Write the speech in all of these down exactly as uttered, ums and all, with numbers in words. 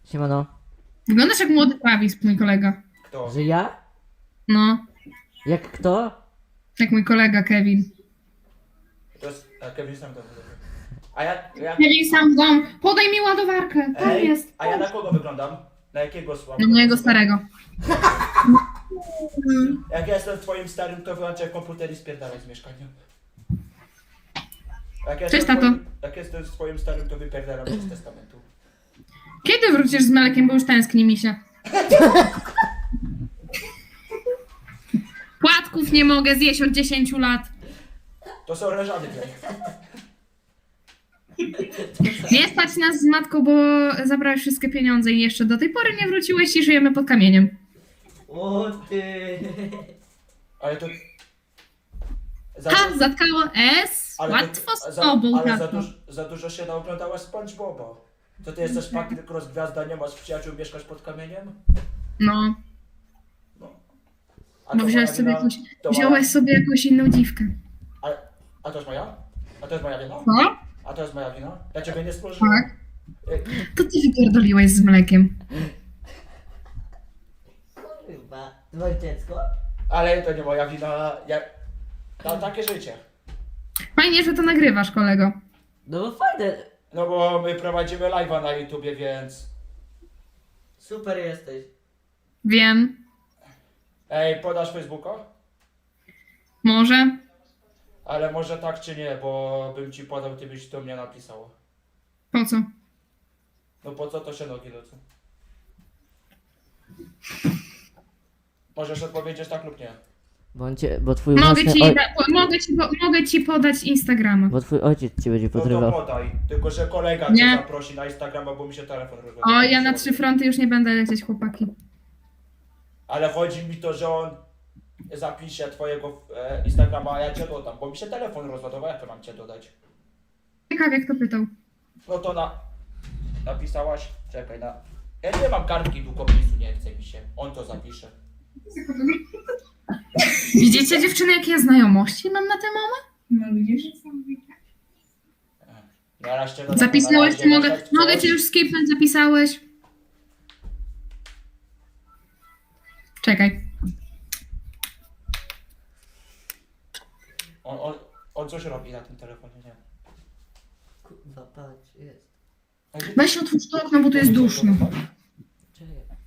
Siemano. Wyglądasz jak młody Travis, mój kolega. Kto? Że ja? No, Jak kto? jak mój kolega Kevin. To jest... A Kevin sam to mówi. A ja... ja... Kevin sam w dom. Podaj mi ładowarkę. Tam Ej, jest. a ja na kogo wyglądam? Na jakiego słaba? Na mojego starego. Jak ja jestem twoim starym, to wyłączaj komputer i spierdalaj z mieszkania. Jak ja Cześć, jestem tato. twoim- Jak jestem twoim starym, to wypierdalam z testamentu. Kiedy wrócisz z mlekiem, bo już tęskni mi się. Płatków nie mogę zjeść od dziesięciu lat. To są leżany tutaj. Nie stać nas z matką, bo zabrałeś wszystkie pieniądze i jeszcze do tej pory nie wróciłeś i żyjemy pod kamieniem. O ty. Ale to... Za, Ha, zatkało S. ale Łatwo to, z za, tobą, ale za, tato. duż, za dużo się naoglądałaś SpongeBoba. To ty jesteś Patryk Rozgwiazda, nie masz przyjaciół, mieszkasz pod kamieniem? No, No. A bo to wziąłeś moja sobie, wina? jakąś, To wziąłeś moja... sobie jakąś inną dziwkę. A, a to jest moja? A to jest moja wina? Co? A to jest moja wina? Ja ciebie nie stworzyłem. Tak. Ej, To ty wypierdoliłeś z mlekiem. Kurwa. Twoje dziecko? Ale to nie moja wina. Ja... Mam takie życie. Fajnie, że to nagrywasz, kolego. No bo fajne. No bo my prowadzimy live'a na YouTubie, więc... Super jesteś. Wiem. Ej, podasz Facebooka? Może. Ale może tak czy nie, bo bym ci podał, ty byś do mnie napisał. Po co? No po co to się nogi lecą? Możesz odpowiedzieć tak lub nie. Bo, on cię, bo twój Mogę własny ci, oj... da, po, mogę, ci, po, mogę ci podać Instagrama. Bo twój ojciec cię będzie No to podrywał. podaj. Tylko, że kolega Nie. cię zaprosi na Instagrama, bo mi się telefon rozładuje. O, ja na trzy fronty już nie będę lecieć, chłopaki. Ale chodzi mi to, że on zapisze twojego e, Instagrama, a ja cię dodam, bo mi się telefon rozładował, jak to mam cię dodać? Ciekawie, kto pytał. No to na... Napisałaś? Czekaj, na... Ja nie mam kartki długopisu, nie chce mi się. On to zapisze. Widzicie, dziewczyny, jakie ja znajomości mam na tę moment? No widzisz? Na razie, no, Zapisałeś, na czy razie mogę, możesz mogę coś- cię już skipnąć, zapisałeś? Czekaj. On, on, on coś robi na tym telefonie, nie? Kurwa, patrz, jest. Weź otwórz to okno, bo tu jest duszno. Czekaj.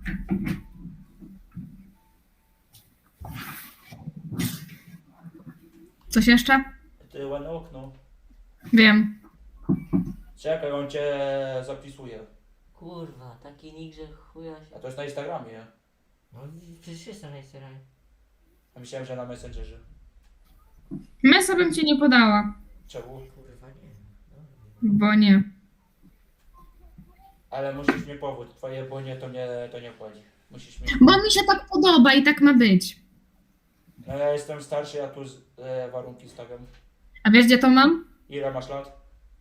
Coś jeszcze? Ty ładne okno. Wiem. Czekaj, on cię zapisuje. Kurwa, taki nick, że chuja się... A to jest na Instagramie. No przecież jestem na Instagramie. A myślałem, że na Messengerze. Mesa bym ci nie podała, Czemu? Kurwa, nie. bo nie. Ale musisz mi powód. Twoje bo nie, to nie, to nie wchodzi. Musisz mi... Bo mi się tak podoba i tak ma być. No ja jestem starszy, ja tu z, e, warunki stawiam. A wiesz, gdzie to mam? Ile masz lat?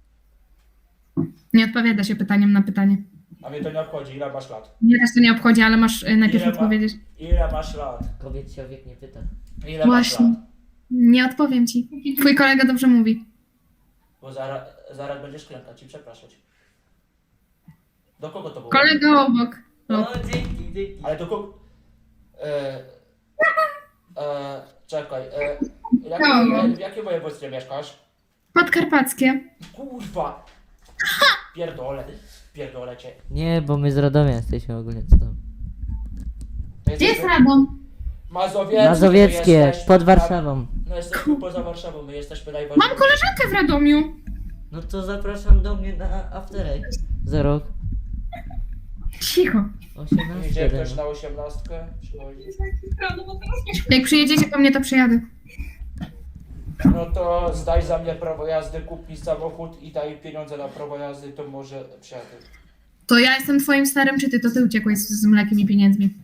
Nie odpowiada się pytaniem na pytanie. A mnie to nie obchodzi. Ile masz lat? Mnie też to nie obchodzi, ale masz y, najpierw Ile ma- odpowiedzieć. Ile masz lat? Kobiet się o wiek nie pyta. Ile Właśnie. masz lat? Nie odpowiem ci. Twój kolega dobrze mówi. Bo zaraz, zaraz będziesz klękać i przepraszać. Do kogo to było? Kolega obok. No, dzięki, dzięki. Ale do kogo... E, e, czekaj, e, jakie, Kogo? w jakim województwie mieszkasz? Podkarpackie. Kurwa! Pierdolę, pierdolę cię. Nie, bo my z Radomia jesteśmy ogólnie co tam. To Gdzie jest Radom? Mazowieckie. Mazowieckie, jesteśmy pod na- Warszawą. No jesteśmy poza Warszawą, my jesteśmy najważniejsi. Mam koleżankę w Radomiu. No to zapraszam do mnie na afterek. Za rok. Cicho. osiemnaście. Idzie ktoś no. na osiemnastkę? Przychodzi. Jak przyjedziecie po mnie, to przyjadę. No to zdaj za mnie prawo jazdy, kup mi samochód i daj pieniądze na prawo jazdy, to może przyjadę. To ja jestem twoim starym, czy ty? To ty uciekłeś z, z mlekiem i pieniędzmi.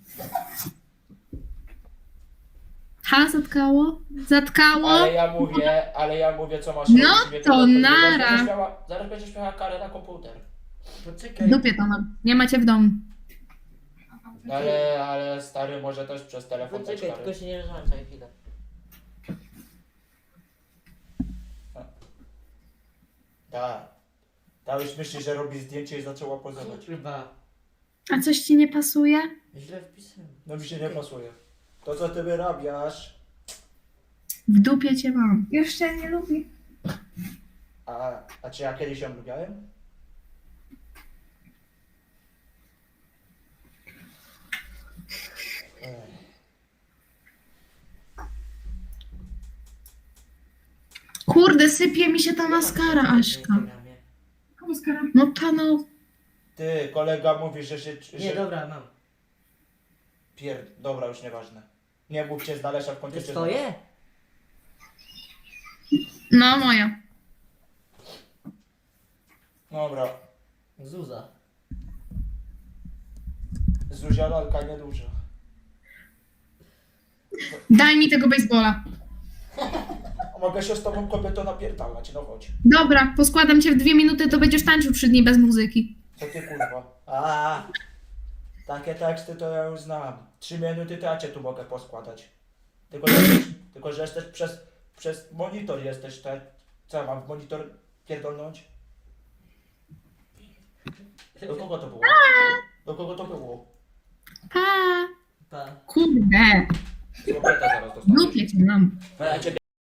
Ha, zatkało? Zatkało? Ale ja mówię, ale ja mówię co masz No robić, mnie to obchodzi. nara. Zaraz będziesz miała, zaraz będziesz miała karę na komputer. Poczekaj. W dupie to mam. Nie macie w domu. No ale, ale stary może też przez telefon dać Poczekaj, karę. tylko się nie rozłączaj chwilę. Tak. Ta już myśli, że robi zdjęcie i zaczęła pozować. Kurwa. A coś ci nie pasuje? Źle wpisałem. No mi się nie pasuje. To co ty wyrabiasz? W dupie cię mam. Już cię nie lubię. A, a czy ja kiedyś ją lubiałem? Ech. Kurde, sypie mi się ta maskara, Aśka. Maskara? No ta no. Ty, kolega mówi, że się... Że... Nie, dobra, mam. Pier... Dobra, już nieważne. Nie mówcie z daleka w To końcu jest cię twoje? No moja. Dobra. Zuza. Zuzia lalka nieduża. Daj mi tego baseballa. A mogę się z tobą kobieto napierdalać, no chodź. Dobra, poskładam cię w dwie minuty, to będziesz tańczył trzy dni bez muzyki. Co ty kurwa? A, takie teksty to ja już znam. Trzy minuty to ja cię tu mogę poskładać. Tylko, że jesteś, tylko, że jesteś przez, przez monitor jesteś, te, co ja mam w monitor pierdolnąć? Do kogo to było? Do kogo to było? Pa. Pa. Kurde. Z kobieta zaraz W dostaniesz. dupie cię mam. Ja ciebie